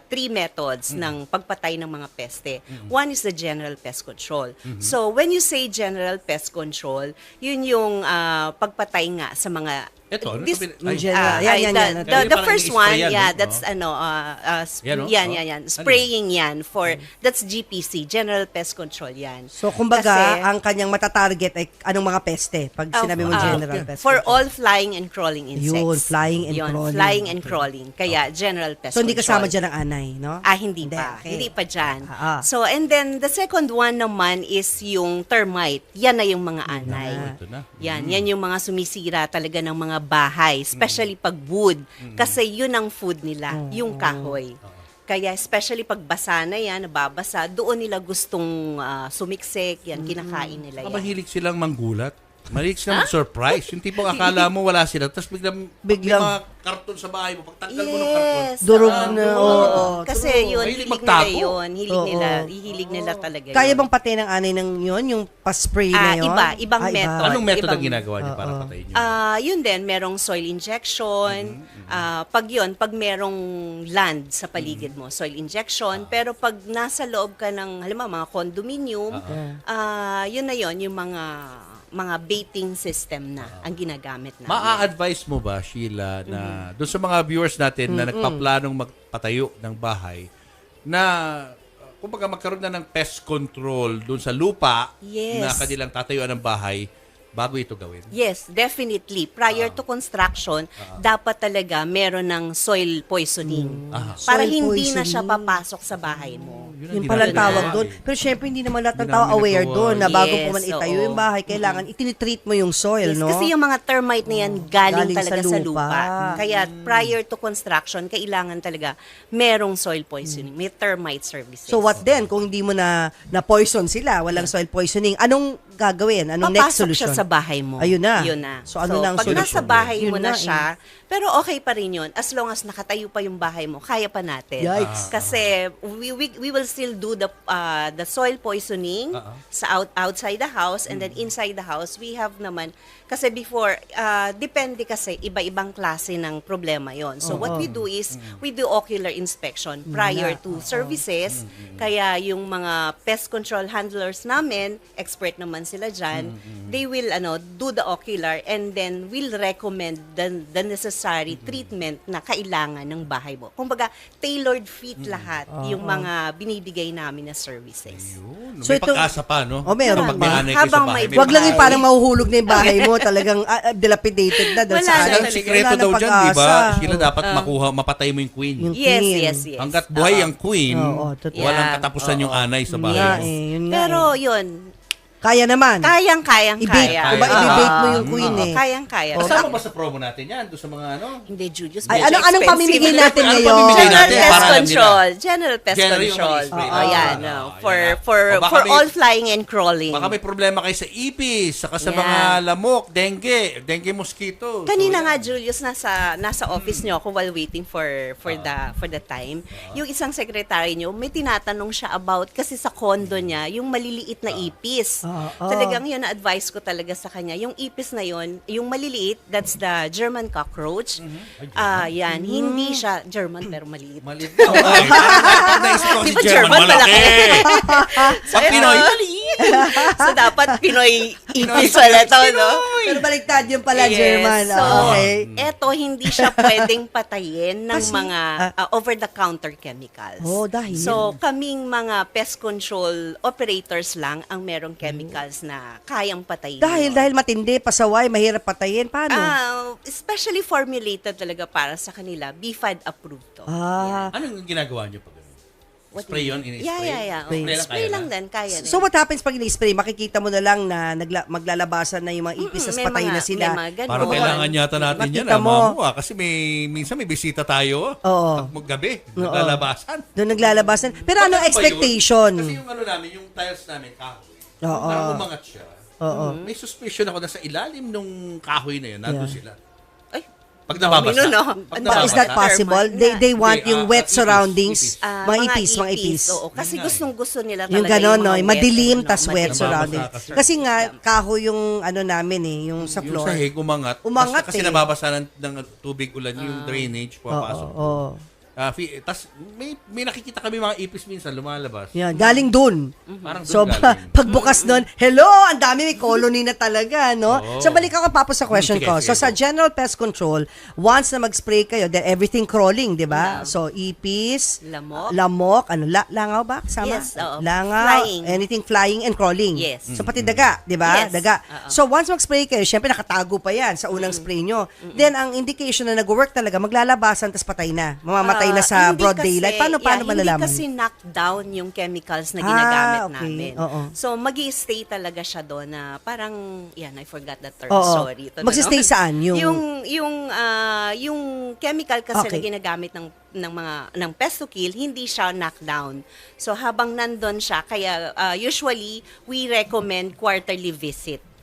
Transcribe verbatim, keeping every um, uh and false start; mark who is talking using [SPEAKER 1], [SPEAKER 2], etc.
[SPEAKER 1] three methods
[SPEAKER 2] Mm.
[SPEAKER 1] ng pagpatay ng mga peste.
[SPEAKER 2] Mm.
[SPEAKER 1] One is the general pest control.
[SPEAKER 2] Mhm.
[SPEAKER 1] So, when you say general pest control, yun yung ah, pagpatay nga sa mga
[SPEAKER 2] Ito, ano
[SPEAKER 1] this,
[SPEAKER 2] sabi-
[SPEAKER 3] Yung
[SPEAKER 2] ay,
[SPEAKER 3] general.
[SPEAKER 1] ah,
[SPEAKER 3] Yan,
[SPEAKER 1] ay,
[SPEAKER 3] yan,
[SPEAKER 1] the,
[SPEAKER 3] yan.
[SPEAKER 1] the,
[SPEAKER 2] Kaya
[SPEAKER 1] the
[SPEAKER 2] parang
[SPEAKER 1] first
[SPEAKER 2] ini-spray
[SPEAKER 1] one,
[SPEAKER 2] yan,
[SPEAKER 1] yeah,
[SPEAKER 2] no?
[SPEAKER 1] that's
[SPEAKER 2] Oo.
[SPEAKER 1] ano, uh, uh, sp-
[SPEAKER 2] Yan, no?
[SPEAKER 1] yan,
[SPEAKER 2] Oh.
[SPEAKER 1] yan, yan.
[SPEAKER 2] Ano
[SPEAKER 1] Spraying yan for, that's G P C, General Pest Control yan.
[SPEAKER 3] So, kumbaga,
[SPEAKER 1] Kasi,
[SPEAKER 3] ang kanyang matatarget ay anong mga peste? Pag
[SPEAKER 1] Uh,
[SPEAKER 3] sinabi mo
[SPEAKER 1] uh,
[SPEAKER 3] general pest
[SPEAKER 1] for
[SPEAKER 3] control.
[SPEAKER 1] all flying and crawling insects.
[SPEAKER 3] Yun, flying and
[SPEAKER 1] Yun,
[SPEAKER 3] crawling.
[SPEAKER 1] flying and crawling. Kaya, general pest
[SPEAKER 3] So, hindi
[SPEAKER 1] control.
[SPEAKER 3] kasama dyan ang anay, no?
[SPEAKER 1] Ah, hindi, pa.
[SPEAKER 3] okay.
[SPEAKER 1] Hindi pa dyan.
[SPEAKER 3] Ah, ah.
[SPEAKER 1] So, and then, the second one naman is yung termite. Yan na yung mga anay.
[SPEAKER 3] Ah.
[SPEAKER 2] Ito na.
[SPEAKER 1] Yan, yan yung mga sumisira talaga ng mga bahay, especially pag wood. Kasi yun ang food nila, yung kahoy. Kaya especially pag basa na yan, nababasa, doon nila gustong ah, sumiksik, yan, kinakain nila
[SPEAKER 2] Baka
[SPEAKER 1] yan.
[SPEAKER 2] mahilig silang manggulat. Mahilig silang mag-surprise. Yung tipong akala mo wala sila, tapos biglang,
[SPEAKER 3] Biglang-
[SPEAKER 2] may mga karton sa bahay mo, pagtanggal mo ng karton.
[SPEAKER 1] Yes.
[SPEAKER 3] Durog
[SPEAKER 1] ah,
[SPEAKER 3] na,
[SPEAKER 1] oo.
[SPEAKER 3] oo.
[SPEAKER 1] Kasi
[SPEAKER 3] True.
[SPEAKER 1] yun,
[SPEAKER 2] Mahilig
[SPEAKER 1] hilig nila
[SPEAKER 2] magtago.
[SPEAKER 1] yun. Hilig
[SPEAKER 3] Oo.
[SPEAKER 1] nila, hihilig nila talaga
[SPEAKER 3] Kaya
[SPEAKER 1] yun.
[SPEAKER 3] bang patay ng anay ng yun? Yung pa-spray na
[SPEAKER 1] Ah,
[SPEAKER 3] yun?
[SPEAKER 1] iba. Ibang
[SPEAKER 3] Ah, iba.
[SPEAKER 1] method.
[SPEAKER 2] Anong method ang
[SPEAKER 1] ibang-
[SPEAKER 2] ginagawa niyo para
[SPEAKER 3] Oo.
[SPEAKER 2] patayin niyo?
[SPEAKER 1] Ah, yun din, merong soil injection. Ah, pag yun, pag merong land sa paligid mo, soil injection. Pero pag nasa loob ka ng, halimbawa, mga condominium, ah, yun na yun, yung mga mga baiting system na ang ginagamit namin.
[SPEAKER 2] Maa-advise mo ba, Sheila, na doon sa mga viewers natin na nagpaplanong magpatayo ng bahay, na uh, kumbaga magkaroon na ng pest control doon sa lupa
[SPEAKER 1] Yes.
[SPEAKER 2] na kanilang tatayuan ng bahay bago ito gawin?
[SPEAKER 1] Yes, definitely. Prior to construction, dapat talaga meron ng soil poisoning.
[SPEAKER 2] Ah.
[SPEAKER 1] Para
[SPEAKER 3] Soil
[SPEAKER 1] hindi na siya
[SPEAKER 3] poisoning.
[SPEAKER 1] papasok sa bahay mo.
[SPEAKER 2] Yun ang
[SPEAKER 3] Yung palang
[SPEAKER 2] ginagawa
[SPEAKER 3] tawag
[SPEAKER 2] namin.
[SPEAKER 3] doon. Pero syempre, hindi naman lahat ng
[SPEAKER 2] Hindi
[SPEAKER 3] tao
[SPEAKER 2] namin
[SPEAKER 3] aware
[SPEAKER 2] nagawa.
[SPEAKER 3] doon na bago
[SPEAKER 1] Yes,
[SPEAKER 3] po man itayo
[SPEAKER 1] oo.
[SPEAKER 3] yung bahay, kailangan itinitreat mo yung soil,
[SPEAKER 1] Yes,
[SPEAKER 3] no?
[SPEAKER 1] kasi yung mga termite na yan galing,
[SPEAKER 3] Galing
[SPEAKER 1] talaga
[SPEAKER 3] sa
[SPEAKER 1] sa
[SPEAKER 3] lupa.
[SPEAKER 1] lupa. Kaya prior to construction, kailangan talaga merong soil poisoning. May termite services.
[SPEAKER 3] So what then? Kung hindi mo na na-poison sila, walang soil poisoning, anong gagawin? Anong next
[SPEAKER 1] Papasok
[SPEAKER 3] solution?
[SPEAKER 1] siya sa bahay mo.
[SPEAKER 3] Ayun na.
[SPEAKER 1] Yun na.
[SPEAKER 3] So, ano na ang
[SPEAKER 1] pag nasa
[SPEAKER 3] solusyon?
[SPEAKER 1] bahay
[SPEAKER 3] Yun
[SPEAKER 1] mo na,
[SPEAKER 3] na, eh.
[SPEAKER 1] siya, pero okay pa rin yun. As long as nakatayo pa yung bahay mo, kaya pa natin.
[SPEAKER 3] Yikes.
[SPEAKER 1] Kasi we, we, we will still do the uh, the soil poisoning
[SPEAKER 2] Uh-uh.
[SPEAKER 1] sa out, outside the house and then inside the house, we have naman, kasi before, uh, depende kasi, iba-ibang klase ng problema yon. So what we do is, we do ocular inspection prior to services. Kaya yung mga pest control handlers namin, expert naman sila dyan, they will ano do the ocular and then will recommend the, the necessary treatment na kailangan ng bahay mo. Kumbaga, tailored fit lahat yung mga binibigay namin na services.
[SPEAKER 2] Yun.
[SPEAKER 3] So
[SPEAKER 2] May
[SPEAKER 3] ito-
[SPEAKER 2] pagkasa pa, no?
[SPEAKER 3] Oh, meron
[SPEAKER 2] Kapag
[SPEAKER 3] pa.
[SPEAKER 2] may anay kayo
[SPEAKER 1] Habang
[SPEAKER 2] sa bahay,
[SPEAKER 1] may
[SPEAKER 2] may
[SPEAKER 3] Wag lang yung
[SPEAKER 1] bahay.
[SPEAKER 3] parang mahuhulog na yung bahay mo, talagang ah, ah, dilapidated na. dahil
[SPEAKER 1] Wala
[SPEAKER 3] sa
[SPEAKER 1] na
[SPEAKER 3] anay.
[SPEAKER 2] Ang
[SPEAKER 1] talaga.
[SPEAKER 2] sikreto
[SPEAKER 3] Wala
[SPEAKER 2] daw
[SPEAKER 3] nang
[SPEAKER 2] dyan, di ba?
[SPEAKER 3] pag-asa.
[SPEAKER 2] Sila dapat makuha, mapatay mo yung queen.
[SPEAKER 3] Yung
[SPEAKER 1] Yes,
[SPEAKER 3] queen.
[SPEAKER 1] yes, yes.
[SPEAKER 2] Hanggat buhay
[SPEAKER 1] Oo.
[SPEAKER 2] ang queen,
[SPEAKER 3] Oo, totoo.
[SPEAKER 2] walang
[SPEAKER 1] Yeah.
[SPEAKER 2] katapusan yung anay sa
[SPEAKER 3] Yun
[SPEAKER 2] bahay
[SPEAKER 3] nga
[SPEAKER 2] mo.
[SPEAKER 3] eh, yun nga
[SPEAKER 1] Pero
[SPEAKER 3] eh.
[SPEAKER 1] yun,
[SPEAKER 3] Kaya naman.
[SPEAKER 1] kayang-kayang
[SPEAKER 3] I-bake.
[SPEAKER 1] kaya.
[SPEAKER 3] Diba,
[SPEAKER 2] Kaya.
[SPEAKER 3] i-bake mo
[SPEAKER 1] Ah,
[SPEAKER 3] yung queen
[SPEAKER 1] oo,
[SPEAKER 3] eh.
[SPEAKER 1] Kayang-kaya.
[SPEAKER 2] Kasama ba sa promo natin yan? Doon sa mga ano?
[SPEAKER 1] Hindi, Julius.
[SPEAKER 3] Ay,
[SPEAKER 1] medyo
[SPEAKER 3] ano, anong
[SPEAKER 1] expensive.
[SPEAKER 3] pamimigay natin
[SPEAKER 2] Ano
[SPEAKER 3] ngayon?
[SPEAKER 2] pamimigay
[SPEAKER 1] General
[SPEAKER 2] natin?
[SPEAKER 1] pest
[SPEAKER 2] Para alam nila.
[SPEAKER 1] control. General pest
[SPEAKER 2] General yung
[SPEAKER 1] control.
[SPEAKER 2] mag-spray
[SPEAKER 1] Oo,
[SPEAKER 2] na.
[SPEAKER 1] yan.
[SPEAKER 2] Ah,
[SPEAKER 1] no.
[SPEAKER 2] yan
[SPEAKER 1] For
[SPEAKER 2] na.
[SPEAKER 1] for
[SPEAKER 2] O baka
[SPEAKER 1] for
[SPEAKER 2] may-
[SPEAKER 1] all flying and crawling.
[SPEAKER 2] Baka may problema kayo sa ipis, saka sa
[SPEAKER 1] Yeah.
[SPEAKER 2] mga lamok, dengue, dengue mosquito.
[SPEAKER 1] Kanina
[SPEAKER 2] So,
[SPEAKER 1] nga
[SPEAKER 2] yan.
[SPEAKER 1] Julius nasa nasa office niyo ako while waiting for for the for the time. Yung isang secretary niyo, may tinatanong siya about kasi sa condo niya, yung maliliit na ipis.
[SPEAKER 3] Ah, ah.
[SPEAKER 1] Talagang yun na advice ko talaga sa kanya. Yung ipis na yun, yung maliliit, that's the German cockroach. Ah, yan, hindi siya German pero maliit.
[SPEAKER 2] Maliit na. Okay. Parang naisip ko
[SPEAKER 1] Di
[SPEAKER 2] si
[SPEAKER 1] ba
[SPEAKER 2] German,
[SPEAKER 1] German
[SPEAKER 2] malaki.
[SPEAKER 1] so,
[SPEAKER 2] Pag Pinoy,
[SPEAKER 1] eto-
[SPEAKER 2] maliit.
[SPEAKER 1] so, dapat Pinoy ipis pala to, no?
[SPEAKER 3] Pero baliktad yung pala,
[SPEAKER 1] Yes.
[SPEAKER 3] German.
[SPEAKER 1] So,
[SPEAKER 3] Ah, okay.
[SPEAKER 1] eto, hindi siya pwedeng patayin ng
[SPEAKER 3] Kasi,
[SPEAKER 1] mga uh, over-the-counter chemicals.
[SPEAKER 3] Oh, dahil.
[SPEAKER 1] So, kaming mga pest control operators lang ang merong chemicals na kayang patayin.
[SPEAKER 3] Dahil, dahil matindi, pasaway, mahirap patayin. Paano?
[SPEAKER 1] Ah, especially formulated talaga para sa kanila, B F A D approved to.
[SPEAKER 3] Ah.
[SPEAKER 2] Anong ginagawa niyo pag ano?
[SPEAKER 1] What
[SPEAKER 2] Spray
[SPEAKER 1] do you
[SPEAKER 2] yun?
[SPEAKER 1] mean?
[SPEAKER 2] In-spray?
[SPEAKER 1] Yeah, yeah, yeah.
[SPEAKER 3] Spray.
[SPEAKER 1] Oh,
[SPEAKER 2] Spray lang
[SPEAKER 1] spray
[SPEAKER 2] kaya
[SPEAKER 1] lang
[SPEAKER 2] na?
[SPEAKER 1] din, kaya din.
[SPEAKER 3] So what happens pag in-spray? Makikita mo na lang na nagla- maglalabasan na yung mga ipis,
[SPEAKER 1] Mm,
[SPEAKER 3] tas
[SPEAKER 1] may
[SPEAKER 3] patay
[SPEAKER 1] mga-
[SPEAKER 3] na sila.
[SPEAKER 1] may mga ganun.
[SPEAKER 2] Parang
[SPEAKER 1] Oo.
[SPEAKER 2] kailangan yata natin yan,
[SPEAKER 3] Makita
[SPEAKER 2] ah,
[SPEAKER 3] mo.
[SPEAKER 2] mamu, ah, kasi may, minsan may bisita tayo.
[SPEAKER 3] Oo.
[SPEAKER 2] Pag maggabi, naglalabasan.
[SPEAKER 3] Doon naglalabasan. Pero
[SPEAKER 2] Pag
[SPEAKER 3] anong
[SPEAKER 2] ano ba yun?
[SPEAKER 3] expectation?
[SPEAKER 2] Kasi yung ano namin, yung tiles namin, kahoy.
[SPEAKER 3] Oo.
[SPEAKER 2] Parang umangat siya.
[SPEAKER 3] Oo.
[SPEAKER 2] May suspicion ako na sa ilalim nung kahoy na yun, nandun
[SPEAKER 3] Yeah.
[SPEAKER 2] sila.
[SPEAKER 1] Ay,
[SPEAKER 2] Pag nababasa.
[SPEAKER 1] Domino, no?
[SPEAKER 2] Pag
[SPEAKER 1] Ano
[SPEAKER 3] But is that
[SPEAKER 2] nababasa.
[SPEAKER 3] possible?
[SPEAKER 1] Termite
[SPEAKER 3] They
[SPEAKER 1] na.
[SPEAKER 3] they want
[SPEAKER 2] Hindi,
[SPEAKER 3] yung
[SPEAKER 2] ah,
[SPEAKER 3] wet
[SPEAKER 2] ipis,
[SPEAKER 3] surroundings.
[SPEAKER 2] ipis.
[SPEAKER 1] Ah,
[SPEAKER 3] Mga ipis, mga ipis.
[SPEAKER 1] Oo, kasi
[SPEAKER 2] Yun nga eh.
[SPEAKER 1] gustong-gusto nila talaga
[SPEAKER 3] Yung gano'n, no?
[SPEAKER 1] mga wet,
[SPEAKER 3] Madilim,
[SPEAKER 1] ano,
[SPEAKER 3] tas wet
[SPEAKER 1] madilim.
[SPEAKER 3] surrounding.
[SPEAKER 2] Nababasa
[SPEAKER 3] Kasi nga, kahoy yung ano namin eh, yung sa
[SPEAKER 2] Yung
[SPEAKER 3] floor.
[SPEAKER 2] sahig, umangat.
[SPEAKER 3] Umangat
[SPEAKER 2] Basta kasi
[SPEAKER 3] eh.
[SPEAKER 2] nababasa ng, ng tubig ulan yung drainage,
[SPEAKER 3] Oo,
[SPEAKER 2] pumapasok.
[SPEAKER 3] oo.
[SPEAKER 2] Ah, fi- tas may may nakikita kami mga ipis minsan lumalabas.
[SPEAKER 3] Yan, galing dun.
[SPEAKER 2] Parang doon
[SPEAKER 3] So, pa-
[SPEAKER 2] galing.
[SPEAKER 3] pagbukas nun, hello, ang dami, may colony na talaga, no?
[SPEAKER 2] Oo.
[SPEAKER 3] So, balik ako papos sa question
[SPEAKER 2] Sige,
[SPEAKER 3] ko.
[SPEAKER 2] sige,
[SPEAKER 3] So, sa
[SPEAKER 2] go.
[SPEAKER 3] general pest control, once na mag-spray kayo, then everything crawling, di ba? So, ipis,
[SPEAKER 1] Lamok.
[SPEAKER 3] lamok, ano, la- langaw ba? Kasama?
[SPEAKER 1] Yes, oo.
[SPEAKER 3] Langaw,
[SPEAKER 1] Flying.
[SPEAKER 3] anything flying and crawling.
[SPEAKER 1] Yes.
[SPEAKER 3] So, pati daga, di ba?
[SPEAKER 1] Yes.
[SPEAKER 3] Daga.
[SPEAKER 1] Oo.
[SPEAKER 3] So, once mag-spray kayo, syempre nakatago pa yan sa unang spray nyo. Then, ang indication na nag-work talaga, maglalabasan, tas patay na. Mamamatay na
[SPEAKER 1] Ah,
[SPEAKER 3] sa
[SPEAKER 1] hindi
[SPEAKER 3] broad
[SPEAKER 1] kasi-
[SPEAKER 3] daylight. Paano, paano
[SPEAKER 1] yeah,
[SPEAKER 3] malalaman?
[SPEAKER 1] Hindi kasi knockdown yung chemicals na
[SPEAKER 3] Ah,
[SPEAKER 1] ginagamit
[SPEAKER 3] okay.
[SPEAKER 1] namin.
[SPEAKER 3] Oo.
[SPEAKER 1] So, magi-stay talaga siya doon na parang, yan, I forgot that term.
[SPEAKER 3] Oo.
[SPEAKER 1] Sorry. Ito na,
[SPEAKER 3] Magsi-stay
[SPEAKER 1] no?
[SPEAKER 3] saan? Yung-
[SPEAKER 1] Yung, yung, ah, yung chemical kasi
[SPEAKER 3] Okay.
[SPEAKER 1] na ginagamit ng ng mga ng pest to kill, hindi siya knockdown. So habang nandun siya, kaya ah, usually we recommend quarterly visit